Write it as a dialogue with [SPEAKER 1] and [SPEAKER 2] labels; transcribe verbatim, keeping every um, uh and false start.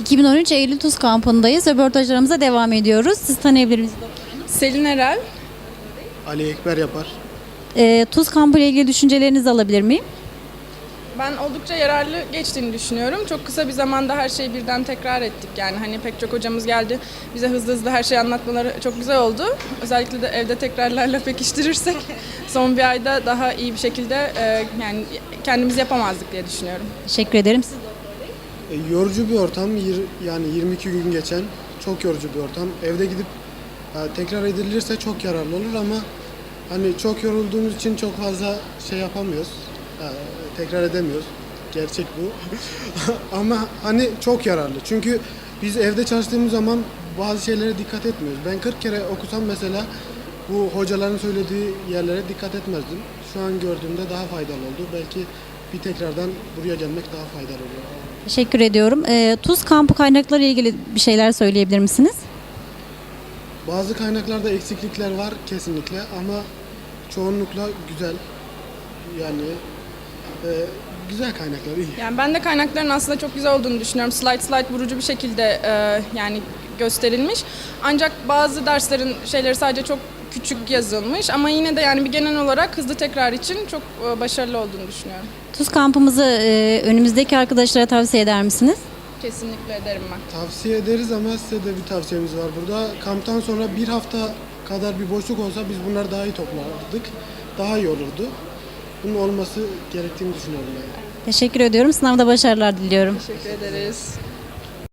[SPEAKER 1] iki bin on üç Eylül Tuz kampındayız. Röportajlarımıza devam ediyoruz. Siz tanıyabilir misiniz?
[SPEAKER 2] Selin Erel.
[SPEAKER 3] Ali Ekber yapar.
[SPEAKER 1] Ee, Tuz kampı ile ilgili düşüncelerinizi alabilir miyim?
[SPEAKER 2] Ben oldukça yararlı geçtiğini düşünüyorum. Çok kısa bir zamanda her şeyi birden tekrar ettik. Yani hani pek çok hocamız geldi. Bize hızlı hızlı her şeyi anlatmaları çok güzel oldu. Özellikle de evde tekrarlarla pekiştirirsek son bir ayda daha iyi bir şekilde e, yani kendimiz yapamazdık diye düşünüyorum.
[SPEAKER 1] Teşekkür ederim. Siz
[SPEAKER 3] E, yorucu bir ortam. Yir- yani yirmi iki gün geçen çok yorucu bir ortam. Evde gidip e, tekrar edilirse çok yararlı olur ama hani çok yorulduğumuz için çok fazla şey yapamıyoruz. E, tekrar edemiyoruz. Gerçek bu. Ama hani çok yararlı. Çünkü biz evde çalıştığımız zaman bazı şeylere dikkat etmiyoruz. Ben kırk kere okusam mesela bu hocaların söylediği yerlere dikkat etmezdim. Şu an gördüğümde daha faydalı oldu. Belki bir tekrardan buraya gelmek daha faydalı oluyor.
[SPEAKER 1] teşekkür ediyorum. Ee, Tuz kampı kaynakları ile ilgili bir şeyler söyleyebilir misiniz?
[SPEAKER 3] Bazı kaynaklarda eksiklikler var kesinlikle ama çoğunlukla güzel. Yani e, güzel kaynaklar iyi.
[SPEAKER 2] Yani ben de kaynakların aslında çok güzel olduğunu düşünüyorum. Slide slide vurucu bir şekilde e, yani gösterilmiş. Ancak bazı derslerin şeyleri sadece çok küçük yazılmış ama yine de yani bir genel olarak hızlı tekrar için çok e, başarılı olduğunu düşünüyorum.
[SPEAKER 1] Tuz kampımızı e, önümüzdeki arkadaşlara tavsiye eder misiniz?
[SPEAKER 2] Kesinlikle ederim ben.
[SPEAKER 3] Tavsiye ederiz ama size de bir tavsiyemiz var burada. Kamptan sonra bir hafta kadar bir boşluk olsa biz bunları daha iyi toplardık. Daha iyi olurdu. Bunun olması gerektiğini düşünüyorum yani.
[SPEAKER 1] Teşekkür ediyorum. Sınavda başarılar diliyorum.
[SPEAKER 2] Teşekkür ederiz.